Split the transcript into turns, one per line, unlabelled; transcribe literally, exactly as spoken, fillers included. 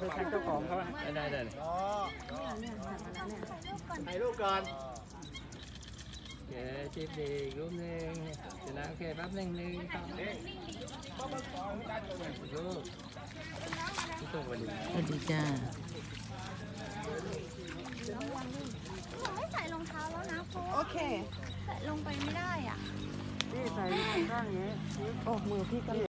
อแทนเจ้าของเขาได้ได้เลยถ่ายรูปก่อนโอเคชิปดีรูปหนึ่งเสร็จแล้วโอเคแป๊บหนึ่งหนึ่งสองรูปที่ส่งวันนี้
สวัสดีจ้า
ผมไม่ใส่รองเท้าแล้วนะเพราะ
โอเค
ใส่ลงไปไม่ได้อ่ะ
นี่ใส่ข้างนี้โอ้มือพี่ก็